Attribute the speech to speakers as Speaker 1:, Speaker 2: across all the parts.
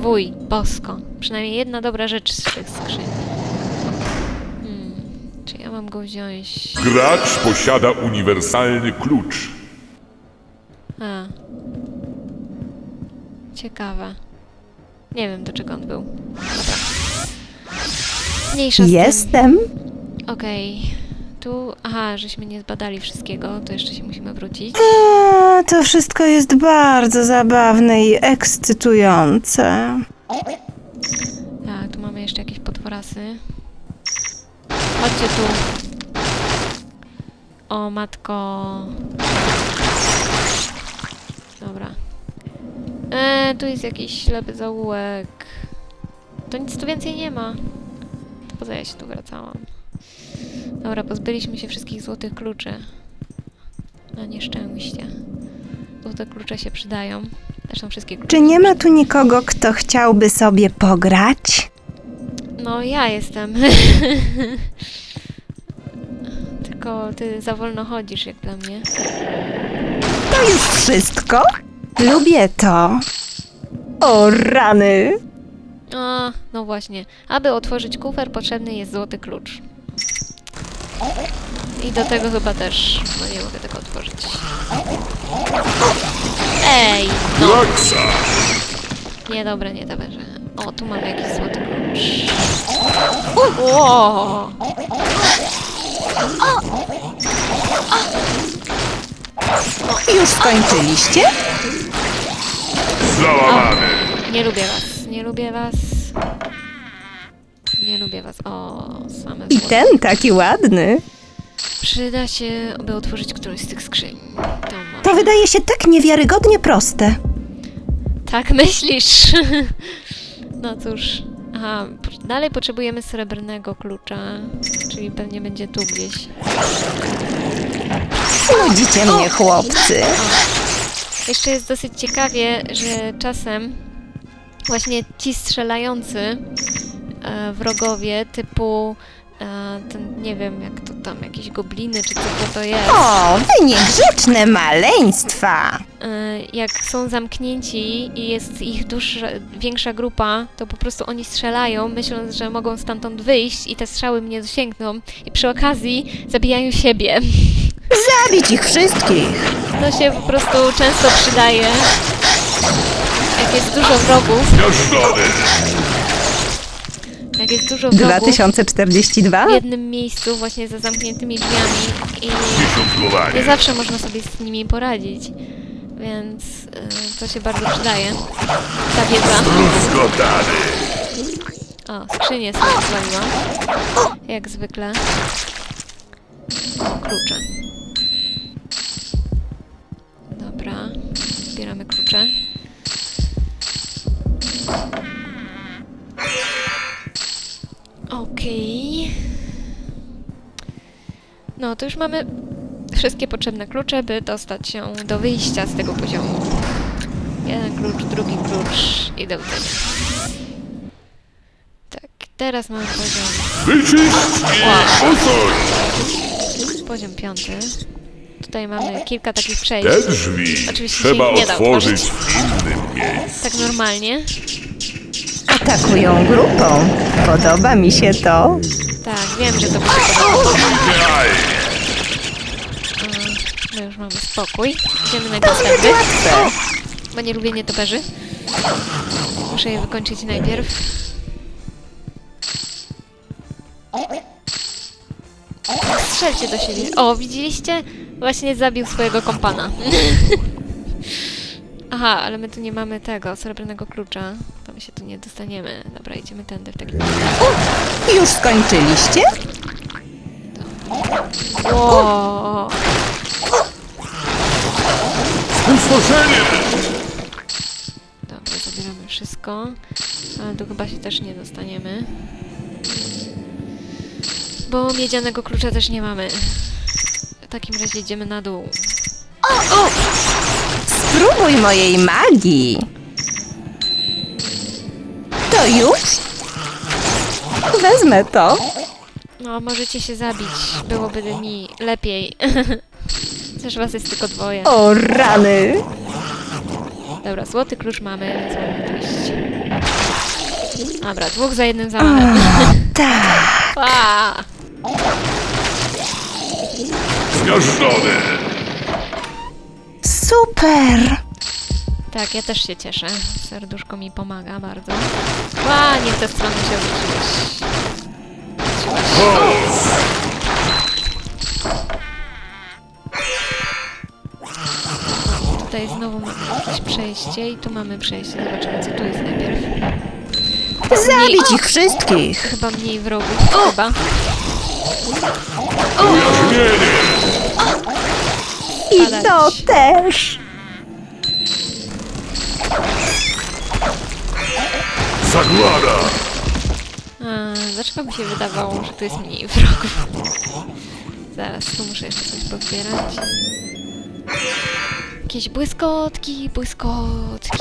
Speaker 1: Wuj, bosko. Przynajmniej jedna dobra rzecz z tych skrzyń. Czy ja mam go wziąć?
Speaker 2: Gracz posiada uniwersalny klucz.
Speaker 1: A. Ciekawe. Nie wiem, do czego on był. Dobra. Mniejsza z tym.
Speaker 3: Jestem.
Speaker 1: Okej. Tu... Aha, żeśmy nie zbadali wszystkiego, to jeszcze się musimy wrócić.
Speaker 3: To wszystko jest bardzo zabawne i ekscytujące.
Speaker 1: Tak, tu mamy jeszcze jakieś potworasy. Chodźcie tu. O, matko. Dobra. Tu jest jakiś ślepy zaułek. To nic tu więcej nie ma. To poza ja się tu wracałam. Dobra, pozbyliśmy się wszystkich złotych kluczy. Na nieszczęście. Złote klucze się przydają. Zresztą wszystkie klucze.
Speaker 3: Czy nie ma tu nikogo, kto chciałby sobie pograć?
Speaker 1: No, ja jestem. Tylko ty za wolno chodzisz, jak dla mnie.
Speaker 3: To już wszystko? Lubię to. O rany!
Speaker 1: A, no właśnie. Aby otworzyć kufer, potrzebny jest złoty klucz. I do tego chyba też, no nie mogę tego otworzyć. Ej! No!
Speaker 2: Raksa!
Speaker 1: Nie, dobra, nie da że. O, tu mamy jakiś złoty klucz. Ło!
Speaker 3: Już skończyliście?
Speaker 2: Załamany!
Speaker 1: Nie lubię was, nie lubię was. Nie lubię was. O, same
Speaker 3: I
Speaker 1: złote.
Speaker 3: ten taki ładny.
Speaker 1: Przyda się, aby otworzyć którąś z tych skrzyń. To może.
Speaker 3: To wydaje się tak niewiarygodnie proste.
Speaker 1: Tak myślisz? No cóż. Aha, dalej potrzebujemy srebrnego klucza. Czyli pewnie będzie tu gdzieś.
Speaker 3: Nudzicie mnie, chłopcy.
Speaker 1: Jeszcze jest dosyć ciekawie, że czasem właśnie ci strzelający wrogowie typu ten, nie wiem jak to tam, jakieś gobliny czy co to jest.
Speaker 3: O, wy niegrzeczne maleństwa.
Speaker 1: Jak są zamknięci i jest ich większa grupa, to po prostu oni strzelają, myśląc, że mogą stamtąd wyjść i te strzały mnie dosięgną i przy okazji zabijają siebie.
Speaker 3: Zabić ich wszystkich.
Speaker 1: To się po prostu często przydaje. Jak jest dużo wrogów,
Speaker 2: Miażdżony!
Speaker 1: jak jest dużo wrogów
Speaker 3: 2042?
Speaker 1: w jednym miejscu, właśnie za zamkniętymi drzwiami i
Speaker 2: Dziesiątkowanie!
Speaker 1: nie zawsze można sobie z nimi poradzić. Więc to się bardzo przydaje. Ta wiedza.
Speaker 2: Rozgotany!
Speaker 1: O, skrzynię sobie zwaliłam. Jak zwykle. O, klucze. Dobra. Zbieramy klucze. Okej. No, to już mamy wszystkie potrzebne klucze, by dostać się do wyjścia z tego poziomu. Jeden klucz, drugi klucz i do widzenia. Tak, teraz mamy poziom...
Speaker 2: Wyczyść i usuń!
Speaker 1: Poziom 5. Tutaj mamy kilka takich przejść.
Speaker 2: Te drzwi
Speaker 1: Oczywiście
Speaker 2: trzeba
Speaker 1: się nie da
Speaker 2: otworzyć
Speaker 1: otworzyć.
Speaker 2: w innym miejscu.
Speaker 1: Tak normalnie.
Speaker 3: Atakują grupą. Podoba mi się to.
Speaker 1: Tak, wiem, że to by się podobało.
Speaker 2: Idealnie!
Speaker 1: My już mamy spokój. Idziemy na
Speaker 3: To zbyt
Speaker 1: następny.
Speaker 3: łatwe.
Speaker 1: Bo nie lubię nietoperzy. Muszę je wykończyć najpierw. Strzelcie do siebie. O, widzieliście? Właśnie zabił swojego kompana. Aha, ale my tu nie mamy tego, srebrnego klucza. To my się tu nie dostaniemy. Dobra, idziemy tędy w takim razie.
Speaker 3: Już skończyliście?
Speaker 1: Wow.
Speaker 2: Stworzenie!
Speaker 1: Dobra, zabieramy wszystko. Ale tu chyba się też nie dostaniemy. Bo miedzianego klucza też nie mamy. W takim razie idziemy na dół.
Speaker 3: Spróbuj mojej magii. To już? Wezmę to.
Speaker 1: No, możecie się zabić. Byłoby mi lepiej. Chociaż was jest tylko dwoje.
Speaker 3: O rany.
Speaker 1: Dobra, złoty klucz mamy, więc możemy to iść. Dobra, 2 za 1 zamachem.
Speaker 3: Tak.
Speaker 1: A!
Speaker 2: Zmiażdżony!
Speaker 3: Super.
Speaker 1: Tak, ja też się cieszę. Serduszko mi pomaga bardzo. Ła, nie w tę stronę się obróciłeś.
Speaker 2: Chaos!
Speaker 1: Tutaj znowu mamy jakieś przejście i tu mamy przejście. Zobaczymy, co tu jest najpierw.
Speaker 3: Zabić ich wszystkich.
Speaker 1: Chyba mniej wrogów. Chyba.
Speaker 2: Ujarzmienie!
Speaker 3: I to też.
Speaker 2: Zagłada!
Speaker 1: Dlaczego mi się wydawało, że tu jest mniej wrogów? Zaraz, tu muszę jeszcze coś pozbierać. Jakieś błyskotki, błyskotki.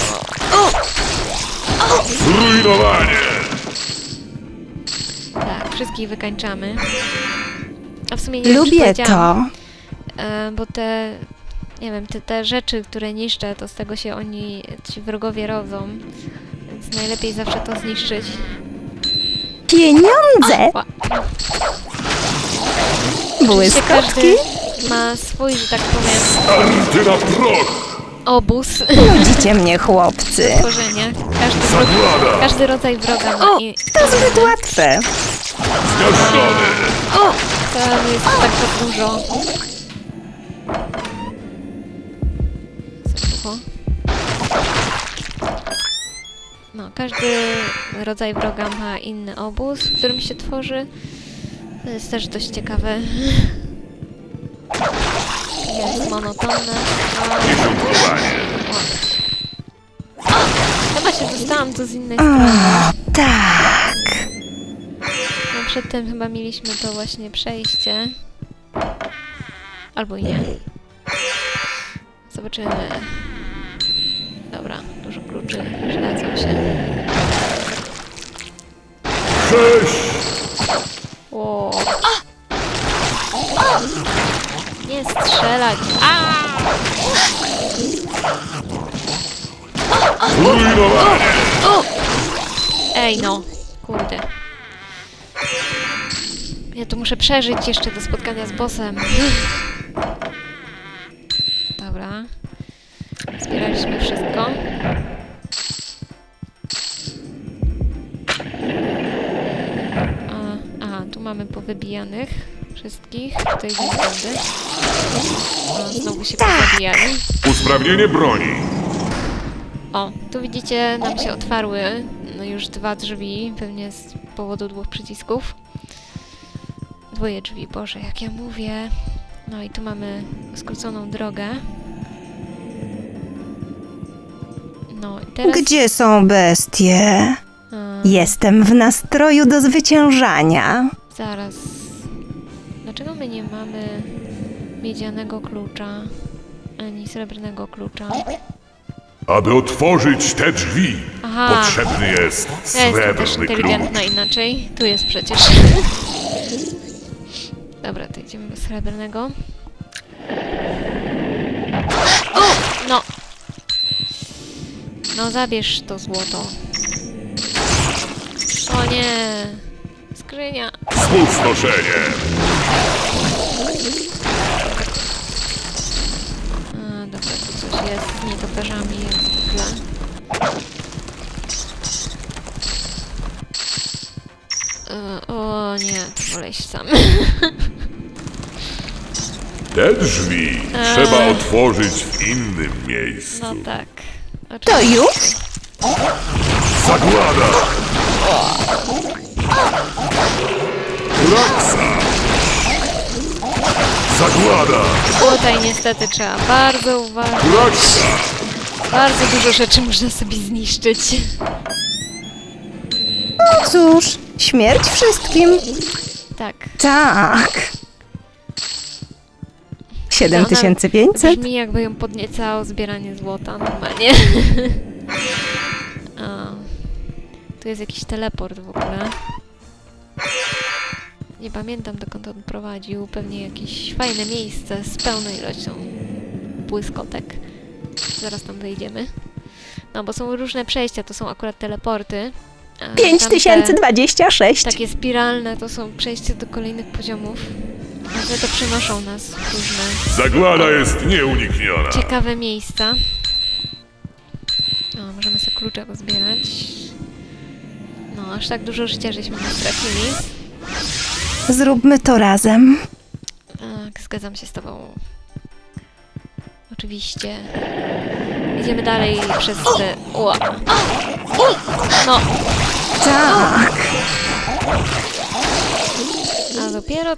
Speaker 2: Zrujnowanie!
Speaker 1: Tak, wszystkich wykańczamy. A w sumie nie wiem, czy
Speaker 3: Lubię
Speaker 1: powiedziałam,
Speaker 3: to.
Speaker 1: bo te, nie wiem, te rzeczy, które niszczę, to z tego się ci wrogowie rodzą. Więc najlepiej zawsze to zniszczyć.
Speaker 3: Pieniądze.
Speaker 1: Ła. Oczywiście
Speaker 3: Błyskotki.
Speaker 1: każdy ma swój, że tak powiem,
Speaker 2: Starty na proch!
Speaker 1: obóz
Speaker 3: Nudzicie mnie, chłopcy.
Speaker 1: tworzenia.
Speaker 2: Zagłada!
Speaker 1: Każdy rodzaj wroga ma
Speaker 3: To zbyt łatwe.
Speaker 2: Zmiażdżony!
Speaker 1: to jest tak za dużo. Za długo. No, każdy rodzaj wroga ma inny obóz, w którym się tworzy. To jest też dość ciekawe. Jest monotonne.
Speaker 2: Dziesiątkowanie!
Speaker 1: Chyba się dostałam tu z innej strony.
Speaker 3: Tak.
Speaker 1: No przedtem chyba mieliśmy to właśnie przejście. Albo i nie. Zobaczymy. Dobra, dużo kluczy przydadzą się.
Speaker 2: 6!
Speaker 1: O. Nie strzelać! A!
Speaker 2: Zrujnowanie!
Speaker 1: Ej no, kurde. Ja tu muszę przeżyć jeszcze do spotkania z bossem. Dobra. Zbieraliśmy wszystko. Aha, tu mamy powybijanych wszystkich. Tutaj idziemy tędy. Znowu się pozabijali.
Speaker 2: Usprawnienie broni!
Speaker 1: O, tu widzicie, nam się otwarły już 2 drzwi, pewnie z powodu 2 przycisków. 2 drzwi, Boże, jak ja mówię. No i tu mamy skróconą drogę. No i teraz...
Speaker 3: Gdzie są bestie?
Speaker 1: A,
Speaker 3: Jestem w nastroju do zwyciężania.
Speaker 1: zaraz. Dlaczego my nie mamy miedzianego klucza, ani srebrnego klucza?
Speaker 2: Aby otworzyć te drzwi,
Speaker 1: Aha.
Speaker 2: potrzebny jest
Speaker 1: Ja jestem też
Speaker 2: srebrny
Speaker 1: inteligentna
Speaker 2: klucz.
Speaker 1: inaczej. Tu jest przecież. Dobra, to idziemy do srebrnego. No! No zabierz to złoto. O nie! Skrzynia!
Speaker 2: Spustoszenie!
Speaker 1: A, dobra, tu coś jest z nietoperzami jak zwykle. O nie, to wolę iść sam.
Speaker 2: Te drzwi trzeba otworzyć w innym miejscu.
Speaker 1: No tak.
Speaker 3: To już?
Speaker 2: Zagłada! Raksa! Zagłada!
Speaker 1: Tutaj niestety trzeba bardzo uważać.
Speaker 2: Raksa!
Speaker 1: Bardzo dużo rzeczy można sobie zniszczyć.
Speaker 3: No cóż, śmierć wszystkim.
Speaker 1: Tak.
Speaker 3: Tak. 7500?
Speaker 1: Brzmi jakby ją podniecało zbieranie złota normalnie. O, tu jest jakiś teleport w ogóle. Nie pamiętam dokąd on prowadził. Pewnie jakieś fajne miejsce z pełną ilością błyskotek. Zaraz tam wejdziemy. No, bo są różne przejścia, to są akurat teleporty. A tamte
Speaker 3: 5026.
Speaker 1: takie spiralne to są przejścia do kolejnych poziomów. Ale to przenoszą nas w różne
Speaker 2: Zagłada jest nieunikniona.
Speaker 1: ciekawe miejsca. O, możemy sobie klucze pozbierać. No, aż tak dużo życia żeśmy nie stracili.
Speaker 3: Zróbmy to razem.
Speaker 1: Tak, zgadzam się z tobą. Oczywiście. Idziemy dalej przez te... Ua. No,
Speaker 3: Tak.
Speaker 1: a dopiero